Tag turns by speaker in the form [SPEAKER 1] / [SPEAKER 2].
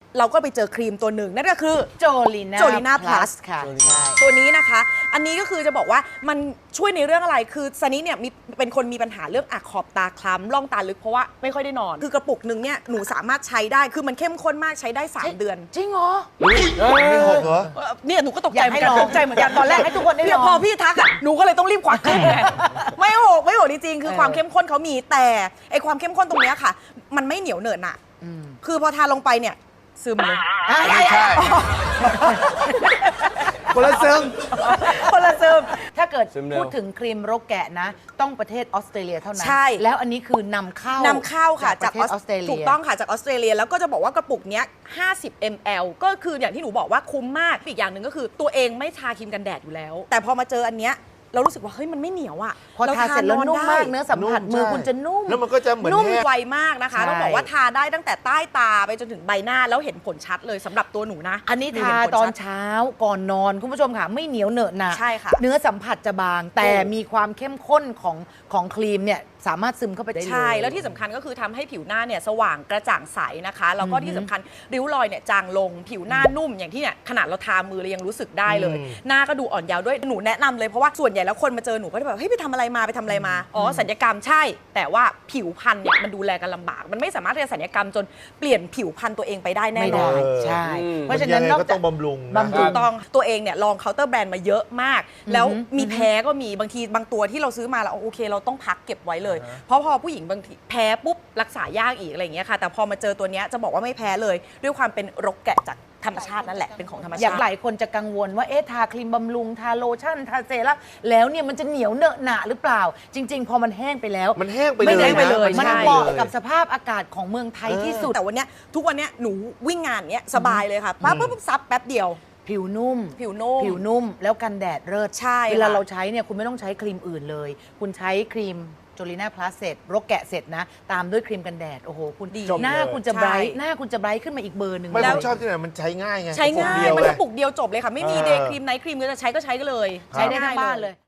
[SPEAKER 1] เราก็ไปเจอครีมตัวหนึ่งนั่นก็คือ
[SPEAKER 2] โจลีน่า
[SPEAKER 1] Plus
[SPEAKER 2] ค่ะ
[SPEAKER 1] ตัวนี้นะคะอันนี้ก็คือจะบอกว่ามันช่วยในเรื่องอะไรคือซันนี่เนี่ยเป็นคนมีปัญหาเรื่องขอบตาคล้ำร่องตาลึกเพราะว่าไม่ค่อยได้นอนคือกระปุกหนึ่งเนี่ยหนูสามารถใช้ได้คือมันเข้มข้นมากใช้ได้3 เดือน
[SPEAKER 2] จริงเหรอ
[SPEAKER 3] ไม่หกเหรอ
[SPEAKER 1] เนี่ยหนูก็ตกใจเหมือนกัน
[SPEAKER 2] อยากให้ลอง
[SPEAKER 1] ตกใจเหมือนกันตอนแรก
[SPEAKER 2] ให้ทุกคนได้ลอง
[SPEAKER 1] พอพี่ทักอ่ะหนูก็เลยต้องรีบควักขึ้นไงไม่หกจริงๆคือความเข้มข้นเขามีแต่ไอความเข้มข้นตรงเนี้ยค่ะ มันไม่เหนียวเหนอะหนะคือพอทาลงไปเนี่ยซึมเลย
[SPEAKER 3] ไม่ใช่คนละซึ่ง
[SPEAKER 1] คนละซึม
[SPEAKER 2] ถ้าเกิด
[SPEAKER 3] ซึมเร็ว
[SPEAKER 2] พูดถึงครีมรกแกะนะ ต้องประเทศออสเตรเลียเท่านั้น
[SPEAKER 1] ใช่
[SPEAKER 2] แล้วอันนี้คือนำเข้า
[SPEAKER 1] ค่ะ
[SPEAKER 2] จากประเทศออสเตรเลีย
[SPEAKER 1] ถูกต้องค่ะจากออสเตรเลียแล้วก็จะบอกว่ากระปุกเนี้ย50 ml ก็คืออย่างที่หนูบอกว่าคุ้มมากอีกอย่างหนึ่งก็คือตัวเองไม่ทาครีมกันแดดอยู่แล้ว แต่พอมาเจออันเนี้ยเรารู้สึกว่าเฮ้ยมันไม่เหนียวอ่ะ
[SPEAKER 2] พอทาเสร็จแล้วนุ่มมากเนื้อสัมผัส
[SPEAKER 3] นุ่ม
[SPEAKER 2] มือ
[SPEAKER 3] ใช่
[SPEAKER 2] คุณจะนุ่ม
[SPEAKER 3] แล้วมันก็จะเหมือน
[SPEAKER 1] นุ่ม
[SPEAKER 3] แห้ง
[SPEAKER 1] ไวมากนะคะ
[SPEAKER 2] ใช่
[SPEAKER 1] ต้องบอกว่าทาได้ตั้งแต่ใต้ตาไปจนถึงใบหน้าแล้วเห็นผลชัดเลยสำหรับตัวหนูนะ
[SPEAKER 2] อันนี้
[SPEAKER 1] ห
[SPEAKER 2] ทา
[SPEAKER 1] เห็ผล
[SPEAKER 2] ตอน
[SPEAKER 1] ชัด
[SPEAKER 2] เช้าก่อนนอนคุณผู้ชมค่ะไม่เหนียวเหนอะหนะ
[SPEAKER 1] ใช่ค่ะ
[SPEAKER 2] เนื้อสัมผัสจะบาง แต่มีความเข้มข้นของครีมเนี่ยสามารถซึมเข้าไปได้เลย
[SPEAKER 1] ใช่แล้วที่สำคัญก็คือทำให้ผิวหน้าเนี่ยสว่างกระจ่างใสนะคะแล้วก็ที่สำคัญริ้วรอยเนี่ยจางลงผิวหน้านุ่มอย่างที่เนี่ยขนาดเราทามือเรายังรู้สึกได้เลย หน้าก็ดูอ่อนเยาว์ด้วยหนูแนะนำเลยเพราะว่าส่วนใหญ่แล้วคนมาเจอหนูก็จะแบบเฮ้ยไปทำอะไรมาอ๋อศัลยกรรมใช่ แต่ว่าผิวพรรณเนี่ยมันดูแลกันลำบาก มันไม่สามารถที่จะศัลยกรรมจนเปลี่ยนผิวพรรณตัวเองไปได้แน่
[SPEAKER 2] ไม่
[SPEAKER 1] นอ
[SPEAKER 2] ได้
[SPEAKER 1] น
[SPEAKER 2] ใช่ เพ
[SPEAKER 3] มั
[SPEAKER 2] ราะฉะนั้น
[SPEAKER 3] ยังไง
[SPEAKER 2] นอก
[SPEAKER 3] ก็
[SPEAKER 2] จา
[SPEAKER 3] ต้อก งบำรุงนะ
[SPEAKER 2] บำรุ
[SPEAKER 1] ถูกต้องตัวเองเนี่ยลองเคาน์เตอร์แบรนด์มาเยอะมาก แล้วมีแพ้ก็มีบางทีบางตัวที่เราซื้อมาแล้วโอเคเราต้องพักเก็บไว้เลย เพราะพอผู้หญิงบางทีแพ้ปุ๊บรักษายากอีกอะไรอย่างเงี้ยค่ะแต่พอมาเจอตัวเนี้ยจะบอกว่าไม่แพ้เลย ด้วยความเป็นรกแกะจากธรรมชาตินั่นแหละเป็นของธรรม
[SPEAKER 2] อ
[SPEAKER 1] ชา
[SPEAKER 2] ย่าง
[SPEAKER 1] ติ
[SPEAKER 2] หลายคนจะกังวลว่าเอ๊ะทาครีมบำรุงทาโลชั่นทาเซรั่มแล้วเนี่ยมันจะเหนียวเหนอะหนะหรือเปล่า จริง ๆ พอมันแห้งไปแล้ว
[SPEAKER 3] มันแห้งไปเลย
[SPEAKER 2] ไม่แห้งไป
[SPEAKER 3] นะ
[SPEAKER 2] เลย มัน
[SPEAKER 1] ใช่
[SPEAKER 2] เหมาะกับสภาพอากาศของเมืองไทยที่สุด
[SPEAKER 1] แต่วันเนี้ยทุกวันเนี้ยหนูวิ่งงานเนี้ยสบายเลยค่ะปั๊บซับแป๊บเดียว
[SPEAKER 2] ผิวนุ่ม
[SPEAKER 1] ผิวนุ่ม
[SPEAKER 2] ผิวนุ่มแล้วกันแดดเลิศ
[SPEAKER 1] ใช่
[SPEAKER 2] เวลา
[SPEAKER 1] ค่ะ
[SPEAKER 2] เราใช้เนี่ยคุณไม่ต้องใช้ครีมอื่นเลย คุณใช้ครีมโจลีน่าพลัสเสร็จรกแกะเสร็จนะ ตามด้วยครีมกันแดด โอ้โห คุณ
[SPEAKER 1] ดี
[SPEAKER 2] หน้า
[SPEAKER 3] จบเลย
[SPEAKER 2] คุณจะ
[SPEAKER 1] ใช่
[SPEAKER 2] ไบรท์หน้าคุณจะไบรท์ขึ้นมาอีกเบอร์หนึ่ง
[SPEAKER 3] ไม่
[SPEAKER 2] เล
[SPEAKER 3] ผ
[SPEAKER 2] ย
[SPEAKER 3] มชอบที่ไหนมันใช้ง่ายไง
[SPEAKER 1] ใช้ง่าย
[SPEAKER 3] กระปุกเดียว
[SPEAKER 1] มัน
[SPEAKER 3] เล
[SPEAKER 1] กระปุกเดียวจบเลยค่ะ ไม่มี
[SPEAKER 3] เออ
[SPEAKER 1] เดย์ครีมไนท์ครีมก็จะใช้ก็ใช้กันเลย
[SPEAKER 2] ใช้ได้ทั้งบ้านเลย